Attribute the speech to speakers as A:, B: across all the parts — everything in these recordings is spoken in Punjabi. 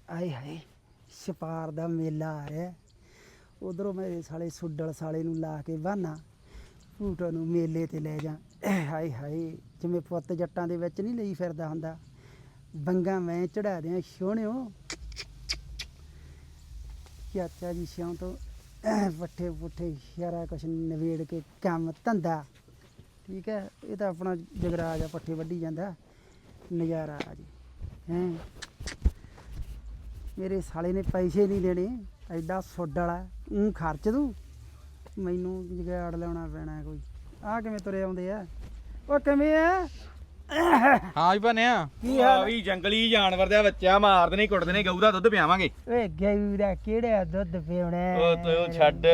A: ਆਏ ਹਾਏ ਛਪਾਰ ਦਾ ਮੇਲਾ ਆ ਰਿਹਾ। ਉਧਰੋਂ ਮੇਰੇ ਸਾਲੇ ਸੁੱਡਲ ਸਾਲੇ ਨੂੰ ਲਾ ਕੇ ਬਹਾਨਾ ਭੂਟੋ ਨੂੰ ਮੇਲੇ ਤੇ ਲੈ ਜਾ। ਹਾਏ ਹਾਏ ਜਿਵੇਂ ਪੁੱਤ ਜੱਟਾਂ ਦੇ ਵਿੱਚ ਨਹੀਂ ਲਈ ਫਿਰਦਾ ਹੁੰਦਾ, ਬੰਗਾ ਮੈਂ ਚੜਾ ਦਿਆਂ ਸੋਹਣਿਓ। ਚਾਚਾ ਜੀ ਸਿਉਂ ਤੋਂ ਪੱਠੇ ਪੁੱਠੇ ਸਾਰਾ ਕੁਛ ਨਵੇੜ ਕੇ ਕੰਮ ਧੰਦਾ ਠੀਕ ਹੈ। ਇਹ ਤਾਂ ਆਪਣਾ ਜਗਰਾਜ ਆ, ਪੱਠੇ ਵੱਢੀ ਜਾਂਦਾ, ਨਜ਼ਾਰਾ ਆ ਜੀ ਹੈਂ। ਮੇਰੇ ਸਾਲੇ ਨੇ ਪੈਸੇ ਨਹੀਂ ਦੇਣੇ, ਐਡਾ ਸੁੱਡ ਵਾਲਾ ਖਰਚ ਦੂੰ, ਮੈਨੂੰ ਜਗਾੜ ਲਿਆਉਣਾ ਪੈਣਾ ਕੋਈ। ਆਹ ਕਿਵੇਂ ਤੁਰੇ ਆਉਂਦੇ ਆ? ਉਹ ਕਿਵੇਂ ਆ?
B: ਹਾਂ ਵੀ ਬਣਿਆ
A: ਕੀ ਹਾਲ
B: ਵੀ ਜੰਗਲੀ ਜਾਨਵਰ ਦਾ ਬੱਚਾ ਮਾਰਦੇ ਨੇ ਕੁੱਟਦੇ ਨੇ, ਗਊ ਦਾ ਦੁੱਧ ਪਿਆਵਾਂਗੇ।
A: ਓਏ ਗਊ ਦਾ ਕਿਹੜਾ ਦੁੱਧ ਪੀਉਣਾ?
B: ਉਹ ਤੂੰ ਛੱਡ,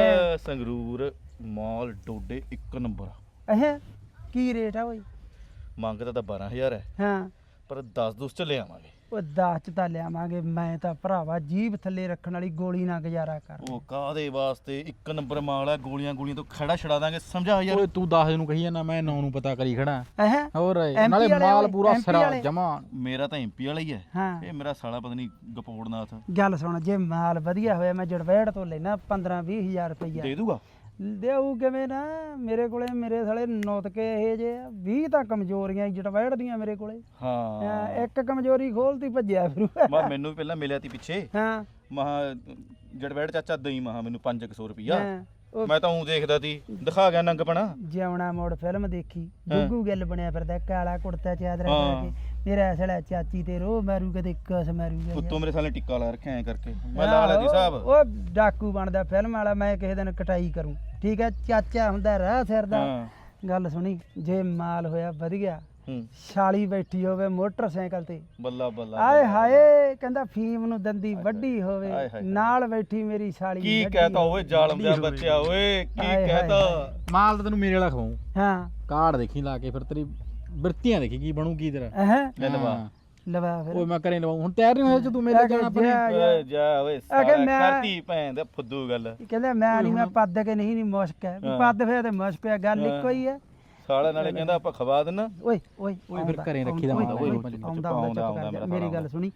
B: ਸੰਗਰੂਰ ਮਾਲ ਡੋਡੇ 1 ਨੰਬਰ।
A: ਅਹ ਕੀ ਰੇਟ ਆ ਓਏ?
B: ਮੰਗਦਾ ਤਾਂ 12000 ਹੈ,
A: ਹਾਂ
B: ਪਰ 10 ਚ ਲੈ ਆਵਾਂਗੇ।
A: ਉਹ 10 ਚ ਤਾਂ ਲਿਆਵਾਂਗੇ, ਮੈਂ ਤਾਂ ਭਰਾਵਾ ਜੀਭ ਥੱਲੇ ਰੱਖਣ ਵਾਲੀ ਗੋਲੀ ਨਾਲ ਗੁਜ਼ਾਰਾ ਕਰ।
B: ਉਹ ਕਾਹਦੇ ਵਾਸਤੇ 1 ਨੰਬਰ ਮਾਲ ਹੈ, ਗੋਲੀਆਂ ਗੋਲੀਆਂ ਤੋਂ ਖੜਾ ਛੜਾ ਦਾਂਗੇ, ਸਮਝਾ ਯਾਰ।
C: ਓਏ ਤੂੰ 10 ਨੂੰ ਕਹੀ ਜਾਂਦਾ, ਮੈਂ 9 ਨੂੰ ਪਤਾ ਕਰੀ ਖੜਾ।
A: ਅਹ
C: ਹੋਰ
A: MP
C: ਨਾਲੇ
A: ਵਾਲੇ
C: ਮਾਲ
A: ਓਏ,
C: ਪੂਰਾ
A: MP
C: ਸਿਰਾ
A: ਵਾਲੇ।
C: ਜਮਾ।
B: ਮੇਰਾ ਤਾਂ ਐਮਪੀ ਵਾਲਾ ਹੀ ਹੈ,
A: ਹਾਂ
B: ਇਹ ਮੇਰਾ ਸਾਲਾ ਪਤਾ ਨਹੀਂ ਗਪੋੜਨਾਥ
A: ਗੱਲ ਸੁਣ, ਜੇ ਮਾਲ ਵਧੀਆ ਹੋਇਆ ਮੈਂ ਜੜਵੈੜ ਤੋਂ ਲੈਣਾ 15-20 ਹਜ਼ਾਰ ਰੁਪਈਆ।
B: ਦੇ ਦੂਗਾ।
A: ਦੇਊ ਕਿਵੇਂ ਨਾ, ਮੇਰੇ ਕੋਲੇ ਮੇਰੇ ਸਾਲੇ ਨੁੱਤਕੇ ਇਹ ਜੇ 20 ਤਾਂ ਕਮਜ਼ੋਰੀਆਂ ਜੜਵੈੜ ਦੀਆਂ ਮੇਰੇ ਕੋਲੇ।
B: ਹਾਂ
A: ਇੱਕ ਕਮਜ਼ੋਰੀ ਖੋਲਤੀ ਭੱਜਿਆ ਫਿਰੂ।
B: ਮੈਨੂੰ ਵੀ ਪਹਿਲਾਂ ਮਿਲਿਆ ਤੀ ਪਿੱਛੇ,
A: ਹਾਂ
B: ਮਹਾ ਜੜਵੈੜ ਚਾਚਾ ਦਈ ਮਹਾ ਮੈਨੂੰ 500 ਰੁਪਿਆ।
A: ਹਾਂ, ਉਹ
B: ਮੈਂ ਤਾਂ ਉਹ ਦੇਖਦਾ ਤੀ, ਦਿਖਾ ਗਿਆ ਨੰਗਪਣਾ।
A: ਜਿਉਣਾ ਮੋੜ ਫਿਲਮ ਦੇਖੀ, ਗੁੱਗੂ ਗਿੱਲ ਬਣਿਆ ਫਿਰਦਾ, ਕਾਲਾ ਕੁੜਤਾ ਚਾਦਰਾ ਪਾ ਕੇ। ਮੇਰਾ ਸਾਲਾ ਚਾਚੀ ਤੇ ਰੋ ਮਾਰੂ, ਕਦੇ ਕਸ ਮਾਰੂਗਾ।
B: ਉੱਤੋਂ ਮੇਰੇ ਸਾਲੇ ਟਿੱਕਾ ਲਾ ਰੱਖਿਆ ਐ ਕਰਕੇ, ਮੈਂ ਲਾ ਲਿਆ ਦੀ ਸਾਹਿਬ।
A: ਉਹ ਡਾਕੂ ਬਣਦਾ ਫਿਲਮ ਵਾਲਾ, ਮੈਂ ਕਿਸੇ ਦਿਨ ਕਟਾਈ ਕਰੂੰ ਠੀਕ ਹੈ। ਚਾਚਾ ਹੁੰਦਾ ਰਾਹ ਸਿਰ ਦਾ। ਗੱਲ ਸੁਣੀ, ਜੇ ਮਾਲ ਹੋਇਆ ਵਧੀਆ, ਛਾਲੀ ਬੈਠੀ ਹੋਵੇ ਮੋਟਰਸਾਈਕਲ ਤੇ,
B: ਬੱਲਾ ਬੱਲਾ
A: ਆਏ ਹਾਏ ਕਹਿੰਦਾ ਫੀਮ ਨੂੰ ਦੰਦੀ ਵੱਡੀ ਹੋਵੇ, ਨਾਲ ਬੈਠੀ ਮੇਰੀ ਛਾਲੀ।
B: ਕੀ ਕਹਤਾ ਓਏ ਜ਼ਾਲਮ ਦਾ ਬੱਚਾ, ਓਏ ਕੀ ਕਹਤਾ।
C: ਮਾਲ ਤਾਂ ਤੈਨੂੰ ਮੇਰੇ ਵਾਲਾ ਖਵਾਉਂ।
A: ਹਾਂ
C: ਕਾਰਡ ਦੇਖੀ ਲਾ ਕੇ, ਫਿਰ ਤੇਰੀ ਬਿਰਤੀਆਂ ਦੇਖੀ ਕੀ ਬਣੂ ਕੀ ਤੇਰਾ।
A: ਅਹ
B: ਲਵਾ
A: ਲਵਾ ਫਿਰ।
C: ਓਏ ਮੈਂ ਕਰੇ ਲਵਾਉਂ, ਹੁਣ ਤਿਆਰ ਨਹੀਂ ਹੋਇਆ ਜੇ ਤੂੰ ਮੇਰੇ ਜਾਣਾ ਆਪਣੇ।
B: ਓਏ ਜਾ ਓਏ ਸਾਲਾ ਕਰਤੀ ਭੈਣ ਦਾ ਫੁੱਦੂ ਗੱਲ।
A: ਕਹਿੰਦਾ ਮੈਂ ਨਹੀਂ, ਮੈਂ ਪੱਦ ਕੇ ਨਹੀਂ ਮੁਸ਼ਕ ਹੈ, ਪੱਦ ਫੇਰ ਤੇ ਮੁਸ਼ਕ ਹੈ, ਗੱਲ ਇੱਕੋ ਹੀ ਹੈ।
B: ਸਾਲਾ ਨਾਲੇ ਕਹਿੰਦਾ ਆਪਾਂ ਖਵਾ ਦੇਣਾ।
A: ਓਏ ਓਏ
C: ਓਏ ਫਿਰ ਘਰੇ ਰੱਖੀ ਦਾ ਹੁੰਦਾ। ਓਏ
A: ਆਉਂਦਾ ਮੇਰੀ ਗੱਲ ਸੁਣੀ,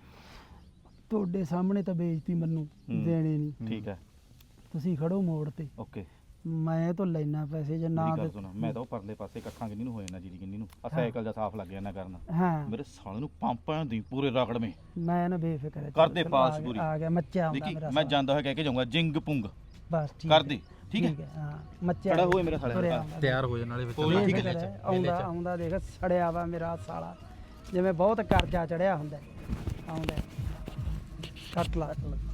A: ਤੁਹਾਡੇ ਸਾਹਮਣੇ ਤਾਂ ਬੇਇੱਜ਼ਤੀ ਮੈਨੂੰ ਦੇਣੇ ਨਹੀਂ।
B: ਠੀਕ ਹੈ,
A: ਤੁਸੀਂ ਖੜੋ ਮੋੜ ਤੇ,
B: ਓਕੇ।
A: ਮੈਂ ਤਾਂ ਲੈਣਾ ਪੈਸੇ ਜੇ ਨਾ
B: ਗੱਲ ਸੁਣ, ਮੈਂ ਤਾਂ ਉਹ ਪਰਲੇ ਪਾਸੇ ਕੱਖਾਂ ਕਿੰਨੀ ਨੂੰ ਹੋ ਜਾਣਾ, ਜੀਰੀ ਕਿੰਨੀ ਨੂੰ ਆ ਸਾਈਕਲ ਦਾ ਸਾਫ਼ ਲੱਗ ਜਾਣਾ ਕਰਨ।
A: ਹਾਂ
B: ਮੇਰੇ ਸਾਲੇ ਨੂੰ ਪੰਪਾਂ ਦੀ ਪੂਰੇ ਰਗੜਵੇਂ
A: ਮੈਂ ਨਾ ਬੇਫਿਕਰ
B: ਕਰਦੇ ਪਾਸ ਪੂਰੀ।
A: ਆ ਗਿਆ ਮੱਚਿਆ ਹੁੰਦਾ
B: ਦੇਖੀ
A: ਮੇਰਾ
B: ਮੈਂ ਜਾਂਦਾ ਹੋਇਆ ਕਹਿ ਕੇ ਜਾਊਂਗਾ ਜਿੰਗ ਪੁੰਗ
A: ਬਸ ਠੀਕ
B: ਕਰਦੇ। ਠੀਕ ਹੈ,
A: ਹਾਂ ਮੱਚਿਆ
B: ਖੜਾ ਹੋਏ ਮੇਰੇ ਸਾਲੇ
A: ਤੁਰਿਆ
B: ਦਾ।
A: ਆਉਂਦਾ।
C: ਤਿਆਰ ਹੋ ਜਾ ਨਾਲੇ ਵਿੱਚ।
B: ਕੋਈ ਠੀਕ ਹੈ
A: ਆਉਂਦਾ ਆਉਂਦਾ ਦੇਖ ਸੜਿਆ ਵਾ ਮੇਰਾ ਸਾਲਾ, ਜਿਵੇਂ ਬਹੁਤ ਕਰਜ਼ਾ ਚੜਿਆ ਹੁੰਦਾ। ਆਉਂਦਾ ਕੱਟ ਲਾ